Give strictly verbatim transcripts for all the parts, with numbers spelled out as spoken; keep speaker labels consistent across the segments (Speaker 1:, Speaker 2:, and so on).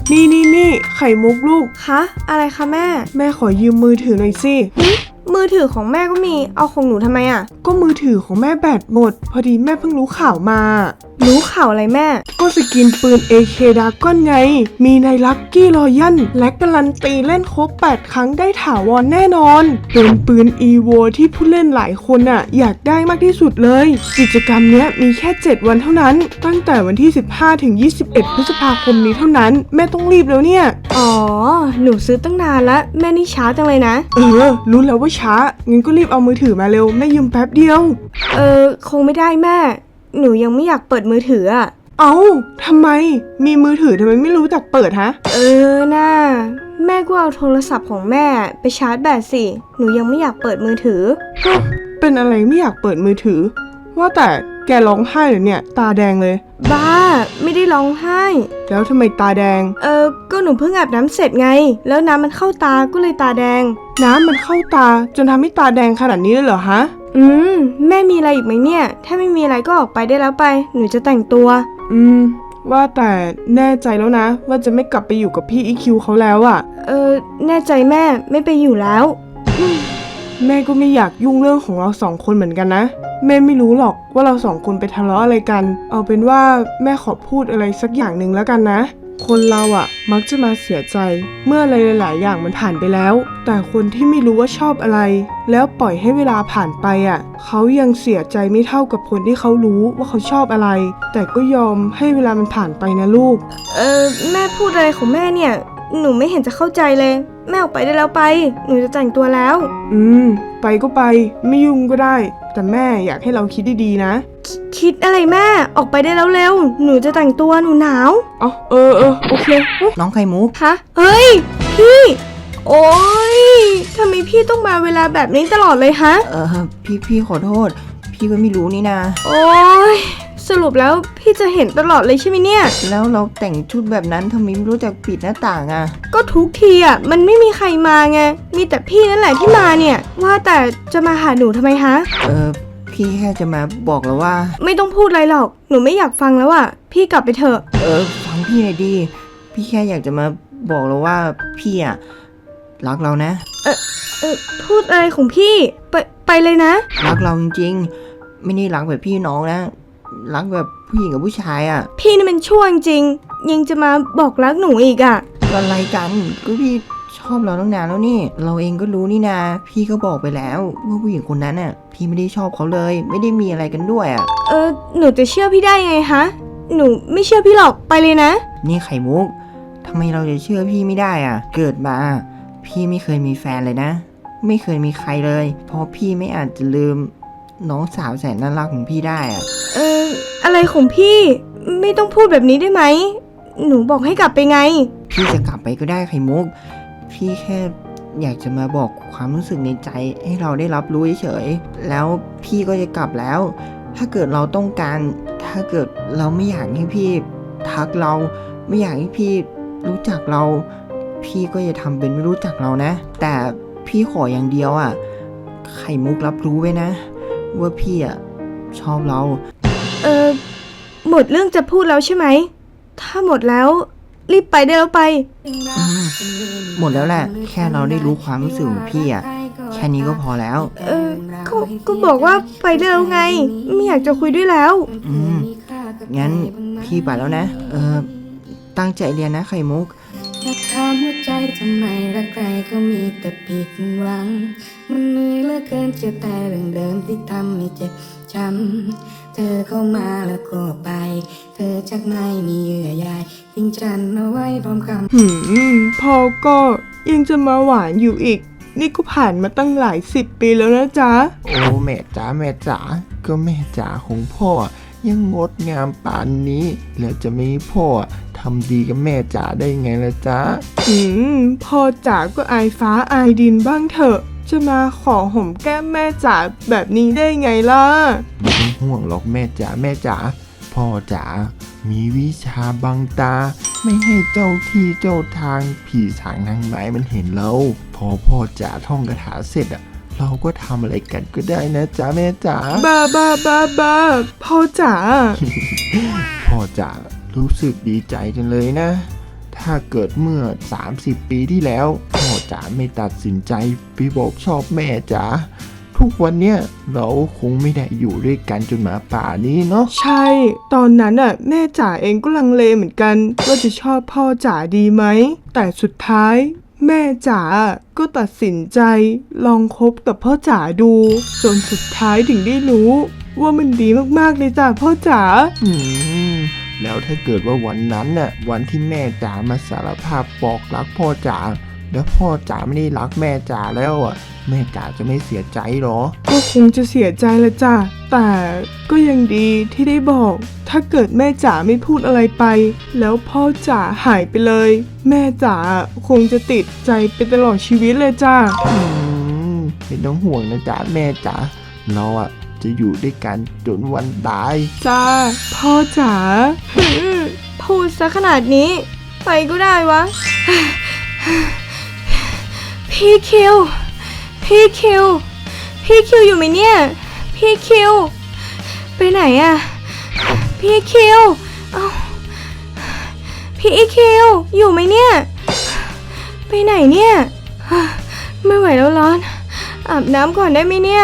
Speaker 1: นี่นี่นี่ไข่มุกลูก
Speaker 2: คะอะไรคะแม่
Speaker 1: แม่ขอยืมมือถือหน่อยสิ
Speaker 2: มือถือของแม่ก็มีเอาของหนูทำไมอ่ะ
Speaker 1: ก็มือถือของแม่แบตหมดพอดีแม่เพิ่งรู้ข่าวมา
Speaker 2: รู้ข่าวอะไรแม่
Speaker 1: ก็สกินปืน เอ เค Dragon ไงมีในลัคกี้รอยัลและการันตีเล่นครบแปดครั้งได้ถาวรแน่นอนเป็นปืน อี โว ที่ผู้เล่นหลายคนอ่ะอยากได้มากที่สุดเลยกิจกรรมเนี้ยมีแค่เจ็ดวันเท่านั้นตั้งแต่วันที่สิบห้าถึงยี่สิบเอ็ดพฤษภาคมนี้เท่านั้นแม่ต้องรีบแล้วเนี่ย
Speaker 2: อ๋อหนูซื้อตั้งนานแล้วแม่นี่ช้าจังเลยนะ
Speaker 1: เออรู้แล้วว่าช้างั้นก็รีบเอามือถือมาเร็วแม่ยืมแป๊บเดียว
Speaker 2: เออคงไม่ได้แม่หนูยังไม่อยากเปิดมือถืออ่ะ
Speaker 1: เอ้าทำไมมีมือถือทำไมไม่รู้จักเปิดฮะ
Speaker 2: เออน่าแม่ก็เอาโทรศัพท์ของแม่ไปชาร์จแบตสิหนูยังไม่อยากเปิดมือถือ
Speaker 1: เป็นอะไรไม่อยากเปิดมือถือว่าแต่แกร้องไห้เหรอเนี่ยตาแดงเลย
Speaker 2: บ้าไม่ได้ร้องไห้
Speaker 1: แล้วทำไมตาแดง
Speaker 2: เออก็หนูเพิ่งอาบน้ำเสร็จไงแล้วน้ำมันเข้าตาก็เลยตาแดง
Speaker 1: น้ำมันเข้าตาจนทำให้ตาแดงขนาดนี้เลยเหรอฮะ
Speaker 2: อืมแม่มีอะไรอีกไหมเนี่ยถ้าไม่มีอะไรก็ออกไปได้แล้วไปหนูจะแต่งตัว
Speaker 1: อืมว่าแต่แน่ใจแล้วนะว่าจะไม่กลับไปอยู่กับพี่อีคิวเขาแล้วอะ
Speaker 2: เออแน่ใจแม่ไม่ไปอยู่แล้ว
Speaker 1: แม่ก็ไม่อยากยุ่งเรื่องของเราสองคนเหมือนกันนะแม่ไม่รู้หรอกว่าเราสองคนไปทะเลาะอะไรกันเอาเป็นว่าแม่ขอพูดอะไรสักอย่างหนึ่งแล้วกันนะคนเราอะมักจะมาเสียใจเมื่ออะไรหลายๆอย่างมันผ่านไปแล้วแต่คนที่ไม่รู้ว่าชอบอะไรแล้วปล่อยให้เวลาผ่านไปอะเขายังเสียใจไม่เท่ากับคนที่เขารู้ว่าเขาชอบอะไรแต่ก็ยอมให้เวลามันผ่านไปนะลูก
Speaker 2: เออแม่พูดอะไรของแม่เนี่ยหนูไม่เห็นจะเข้าใจเลยแม่ออกไปได้แล้วไปหนูจะแต่งตัวแล้ว
Speaker 1: อืมไปก็ไปไม่ยุ่งก็ได้แต่แม่อยากให้เราคิดดีๆนะ
Speaker 2: คิดอะไรแม่ออกไปได้แล้วเร็วหนูจะแต่งตัวหนูหนาว
Speaker 1: อ๋อเออเออโอเค
Speaker 3: น้องไข่มุก
Speaker 2: ฮะเฮ้ยพี่โอ๊ยทำไมพี่ต้องมาเวลาแบบนี้ตลอดเลยฮะ
Speaker 3: เออพี่พี่ขอโทษพี่ก็ไม่รู้นี่นะ
Speaker 2: โอ๊ยสรุปแล้วพี่จะเห็นตลอดเลยใช่ไหมเนี่ย
Speaker 3: แล้วเราแต่งชุดแบบนั้นทำไมไม่รู้จักปิดหน้าต่างอ่ะ
Speaker 2: ก็ทุกทีอ่ะมันไม่มีใครมาไงมีแต่พี่นั่นแหละที่มาเนี่ยว่าแต่จะมาหาหนูทำไมฮะ
Speaker 3: เออพี่แค่จะมาบอกแล้วว่า
Speaker 2: ไม่ต้องพูดอะไรหรอกหนูไม่อยากฟังแล้วอ่ะพี่กลับไปเถอะ
Speaker 3: เออฟังพี่หน่อยดิพี่แค่อยากจะมาบอกแล้วว่าพี่อ่ะรักเรานะ
Speaker 2: เออเออพูดอะไรของพี่ไปไปเลยนะ
Speaker 3: รักเราจริงๆไม่ได้รักแบบพี่น้องนะรักแบบผู้หญิงกับผู้ชายอ่ะ
Speaker 2: พี่นี่มันชั่วจริงยังจะมาบอกรักหนูอีกอ่ะ
Speaker 3: อะไรกันก็พี่ชอบเราตั้งนานแล้วนี่เราเองก็รู้นี่นาพี่ก็บอกไปแล้วว่าผู้หญิงคนนั้นน่ะพี่ไม่ได้ชอบเขาเลยไม่ได้มีอะไรกันด้วยอ่ะ
Speaker 2: เออหนูจะเชื่อพี่ได้ไงฮะหนูไม่เชื่อพี่หรอกไปเลยนะ
Speaker 3: นี่ไข่มุกทำไมเราจะเชื่อพี่ไม่ได้อ่ะเกิดมาพี่ไม่เคยมีแฟนเลยนะไม่เคยมีใครเลยเพราะพี่ไม่อาจจะลืมน้องสาวแสนน่ารักของพี่ได้อ่ะ
Speaker 2: เอออะไรของพี่ไม่ต้องพูดแบบนี้ได้ไหมหนูบอกให้กลับไปไง
Speaker 3: พี่จะกลับไปก็ได้ไข่มุกพี่แค่อยากจะมาบอกความรู้สึกในใจให้เราได้รับรู้เฉยๆแล้วพี่ก็จะกลับแล้วถ้าเกิดเราต้องการถ้าเกิดเราไม่อยากให้พี่ทักเราไม่อยากให้พี่รู้จักเราพี่ก็จะทำเป็นไม่รู้จักเรานะแต่พี่ขออย่างเดียวอ่ะไข่มุกรับรู้ไว้นะว่าพี่อ่ะชอบเรา
Speaker 2: เออหมดเรื่องจะพูดแล้วใช่ไหมถ้าหมดแล้วรีบไปได้แล้วไป
Speaker 3: หมดแล้วแหละแค่เราได้รู้ความรู้สึกของพี่อ่ะแค่นี้ก็พอแล้ว
Speaker 2: เออก็ก็บอกว่าไปได้แล้วไงไม่อยากจะคุยด้วยแล้ว
Speaker 3: อืมงั้นพี่ไปแล้วนะเออตั้งใจเรียนนะไข่มุก
Speaker 4: อยากถามหัวใจทำไมรักใครก็มีแต่ผิดหวังมันเหนื่อยเหลือเกินเจอแต่เรื่องเดิมที่ทำให้เจ็บช้ำเธอเข้ามาแล้วก็ไปเธอชักไม่มีเยื่อใยทิ้งฉันเอาไว้พร้อมคำ
Speaker 1: หืมพ่อก็ยังจะมาหวานอยู่อีกนี่ก็ผ่านมาตั้งหลายสิบปีแล้วนะจ๊ะ
Speaker 5: โอ้แม่จ๋าแม่จ๋าก็แม่จ๋าของพ่อยังงดงามป่านนี้แล้วจะไม่พ่อทำดีกับแม่จ๋าได้ไงล่ะจ๊ะ
Speaker 1: อืมพ่อจ๋าก็อายฟ้าอายดินบ้างเถอะจะมาขอห่มแก้มแม่จ๋าแบบนี้ได้ไงล่ะ
Speaker 5: ไม่ต้องห่วงหรอกแม่จ๋าแม่จ๋าพ่อจ๋ามีวิชาบังตาไม่ให้เจ้าที่เจ้าทางผีสางนางไม้มันเห็นเราพอพ่อจ๋าท่องคาถาเสร็จอ่ะเราก็ทำอะไรกันก็ได้นะจ๊ะแม่จ๋า
Speaker 1: บ้าบ้าบ้าบ้าพ่อจ๋า
Speaker 5: พ่อจ๋ารู้สึกดีใจจังเลยนะถ้าเกิดเมื่อ สามสิบ ปีที่แล้วพ่อจ๋าไม่ตัดสินใจไปบอกชอบแม่จ๋าทุกวันเนี้ยเราคงไม่ได้อยู่ด้วยกันจนมาป่านี้เนาะ
Speaker 1: ใช่ ตอนนั้นอ่ะแม่จ๋าเองก็ลังเลเหมือนกันว่าจะชอบพ่อจ๋าดีไหม แต่สุดท้าย แม่จ๋าก็ตัดสินใจลองคบกับพ่อจ๋าดู จนสุดท้ายถึงได้รู้ ว่ามันดีมากๆเลยจ้ะพ่อจ๋า
Speaker 5: อืมแล้วถ้าเกิดว่าวันนั้นน่ะวันที่แม่จ๋ามาสารภาพบอกรักพ่อจ๋าแล้วพ่อจ๋าไม่ได้รักแม่จ๋าแล้วอ่ะแม่จ๋าจะไม่เสียใจหรอ
Speaker 1: ก็คงจะเสียใจละจ้ะแต่ก็ยังดีที่ได้บอก ถ้าเกิดแม่จ๋าไม่พูดอะไรไป แล้วพ่อจ๋าหายไปเลย แม่จ๋าคงจะติดใจไปตลอดชีวิตเลยจ้ะ
Speaker 5: อืมไม่ต้องห่วงนะจ๊ะแม่จ๋าเราอ่ะจะอยู่ด้วยกันจนวันตาย
Speaker 1: จ้าพ่อจ๋า
Speaker 2: หืมพูดซะขนาดนี้ ไปก็ได้วะ พี่คิว พี่คิว พี่คิวอยู่ไหมเนี่ย พี่คิว ไปไหนอะพี่คิว เอ้า พี่คิว อยู่ไหมเนี่ย ไปไหนเนี่ย ไม่ไหวแล้วร้อน อาบน้ำก่อนได้ไหมเนี่ย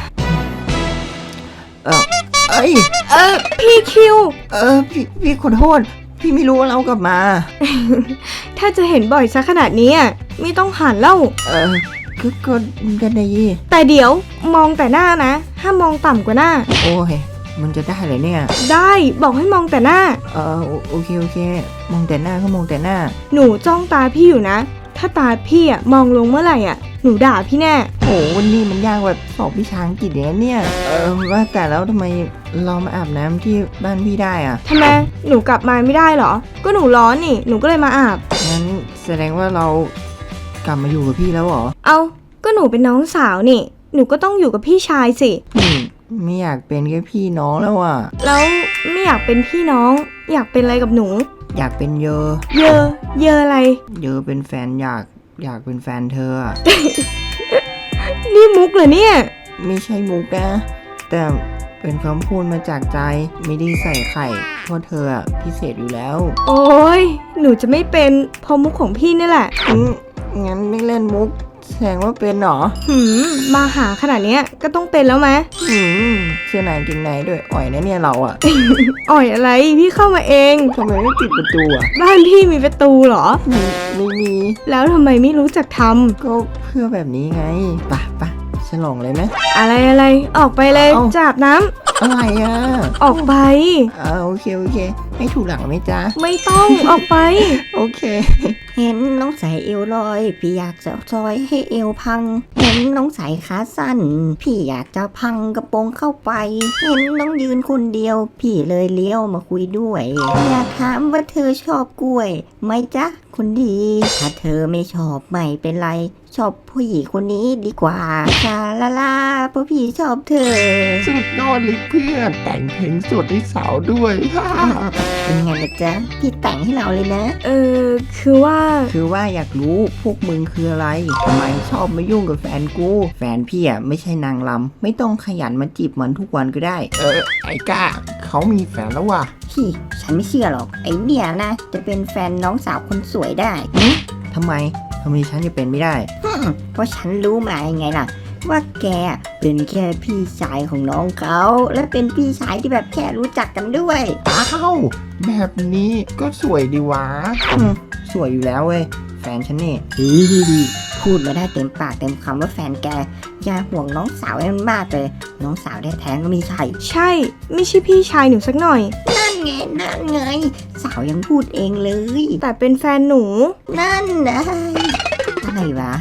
Speaker 3: เออเอ้ย
Speaker 2: เออพี่คิว
Speaker 3: เออพี่พี่ขอโทษ พี่ไม่รู้ว่าเรากลับมา
Speaker 2: ถ้าจะเห็นบ่อยซะขนาดนี้อะไม่ต้องหันเล่า
Speaker 3: เออก็ก็ก็ได้ยี่
Speaker 2: แต่เดี๋ยวมองแต่หน้านะ ห้ามมองต่ำกว่าหน้า
Speaker 3: โอ้ยมันจะได้เลยเนี่ย
Speaker 2: ได้บอกให้มองแต่หน้า
Speaker 3: เออโอโอเคโอเค มองแต่หน้าก็มองแต่หน้า
Speaker 2: หนูจ้องตาพี่อยู่นะ ถ้าตาพี่อะมองลงเมื่อไหร่อะหนูด่าพี่แน่
Speaker 3: โอ้วันนี้มันยากกว่าสอบวิชาอังกฤษอย่างนั้นเนี่ย เออว่าแต่แล้วทำไมเรามาอาบน้ำที่บ้านพี่ได้อะ
Speaker 2: ทำไมหนูกลับมาไม่ได้เหรอ ก็หนูร้อนนี่หนูก็เลยมาอาบ
Speaker 3: งั้นแสดงว่าเรากลับมาอยู่กับพี่แล้วเหรอ
Speaker 2: เอาก็หนูเป็นน้องสาวนี่ หนูก็ต้องอยู่กับพี่ชายสิ
Speaker 3: อืมไม่อยากเป็นแค่พี่น้องแล้วอ่ะ
Speaker 2: แล้วไม่อยากเป็นพี่น้อง อยากเป็นอะไรกับหนู
Speaker 3: อยากเป็นเยอ
Speaker 2: เยอ เยออะไร
Speaker 3: เยอเป็นแฟนอยากอยากเป็นแฟนเธออะ
Speaker 2: นี่มุกเหรอเนี่ย
Speaker 3: ไม่ใช่มุกนะ แต่เป็นคำพูดมาจากใจไม่ได้ใส่ไข่เพราะเธออะพิเศษอยู่แล้ว
Speaker 2: โอ้ยหนูจะไม่เป็นเพราะมุกของพี่นี่แหละ
Speaker 3: อืมงั้นไม่เล่นมุกแสดงว่าเป็นเหรอ
Speaker 2: หืมมาหาขนาดเนี้ยก็ต้องเป็นแล้วไหม
Speaker 3: อืมเสื้อในกางเกงในด้วยอ่อยนะเนี่ยเราอะ
Speaker 2: อ่อยอะไรพี่เข้ามาเอง
Speaker 3: ทำไมไม่ปิดประตูอะ
Speaker 2: บ้านพี่มีประตูเหรอ
Speaker 3: ไม่ไม่มี
Speaker 2: แล้วทำไมไม่รู้จักท
Speaker 3: ก็เพื่อแบบนี้ไงปะปะฉลองเลยไหม
Speaker 2: ำอะไรอะไรออกไปเลย
Speaker 3: เอ้า
Speaker 2: จับน้
Speaker 3: อะไรอะ
Speaker 2: ำออกไป
Speaker 3: อ่าโอเคโอเค ให้ถูกหลังไหมจ๊ะ
Speaker 2: ไม่ต้องออกไป
Speaker 3: โอเค
Speaker 6: เห็นน้องใส่เอวลอย พี่อยากจะซอยให้เอวพัง เห็นน้องใส่ขาสั้น พี่อยากจะพังกระโปรงเข้าไป เห็นน้องยืนคนเดียว พี่เลยเลี้ยวมาคุยด้วย อยากถามว่าเธอชอบกล้วยไหมจ๊ะคนดี ถ้าเธอไม่ชอบไม่เป็นไร ชอบผู้หญิงคนนี้ดีกว่าชาลาลาเพราะพี่ชอบเธอ
Speaker 5: สุดยอดเลยเพื่อนแต่งเพลงสดให้สาวด้วย
Speaker 6: เป็นไงล่ะจ๊ะ พี่แต่งให้เราเลยนะ
Speaker 2: เออคือว่า
Speaker 3: คือว่าอยากรู้พวกมึงคืออะไรทำไมชอบมายุ่งกับแฟนกู แฟนพี่อ่ะไม่ใช่นางลำไม่ต้องขยันมาจีบมันทุกวันก็ได้
Speaker 5: เออไอ้ก้าเขามีแฟนแล้วว่ะ
Speaker 6: พี่ฉันไม่เชื่อหรอก ไอ้เนี่ยนะ จะเป็นแฟนน้องสาวคนสวยได้
Speaker 3: ทำไมทำไมฉันจะเป็นไม่ได้
Speaker 6: เพราะฉันรู้มายังไงล่ะ ว่าแกเป็นแค่พี่ชายของน้องเขา และเป็นพี่ชายที่แบบแค่รู้จักกันด้วย
Speaker 5: อ้าวแบบนี้ก็สวยดีวะ
Speaker 3: อืมสวยอยู่แล้วเว้ย แฟนฉันนี่
Speaker 6: พูดมาได้เต็มปากเต็มคำว่าแฟนแกอย่าห่วงน้องสาวให้มันมากเลย น้องสาวแท้ๆก็ไม่ใช่
Speaker 2: ใช่ ไม่ใช่พี่ชายหนูสักหน่อย
Speaker 6: นั่นไงนั่นไง สาวยังพูดเองเลย
Speaker 2: แต่เป็นแฟนหนู
Speaker 6: นั่นนะอะไรวะ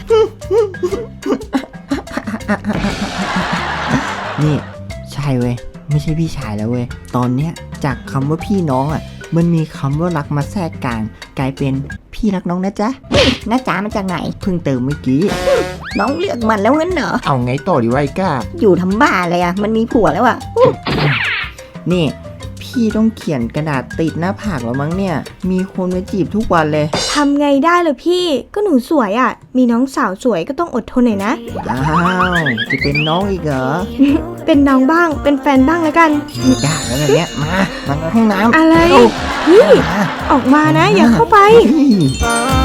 Speaker 3: นี่ใช่เว้ยไม่ใช่พี่ชายแล้วเว้ยตอนเนี้ยจากคำว่าพี่น้องอ่ะมันมีคำว่ารักมาแทรกกลาง กลายเป็นพี่รักน้องนะจ๊ะ
Speaker 6: น้าจ๋ามาจากไหน
Speaker 3: เพิ่งเติมเมื่อกี้
Speaker 6: น้องเลือกมันแล้วงั้นเหรอ
Speaker 5: เอาไงต่อดีวะไอ้ก้า
Speaker 6: อยู่ทำบ้าอะไรอะมันมีผัวแล้วอะ
Speaker 3: นี่ พี่พี่ต้องเขียนกระดาษติดหน้าผากแล้วมั้งเนี่ย มีคนมาจีบทุกวันเลย
Speaker 2: ทำไงได้ล่ะพี่ ก็หนูสวยอะ่ะ มีน้องสาวสวยก็ต้องอดทนหน่อยนะ
Speaker 3: อ้าว จะเป็นน้องอีกเหรอ
Speaker 2: เป็นน้องบ้าง เป็นแฟนบ้างแล้วกัน
Speaker 3: ไม่ได้แล้วแบบเนี้ย มา มาห้องน้ำ
Speaker 2: อะไร
Speaker 3: เร็ว
Speaker 2: พี่
Speaker 3: มา
Speaker 2: ออกมานะ อย่าเข้าไป
Speaker 3: เฮ้ย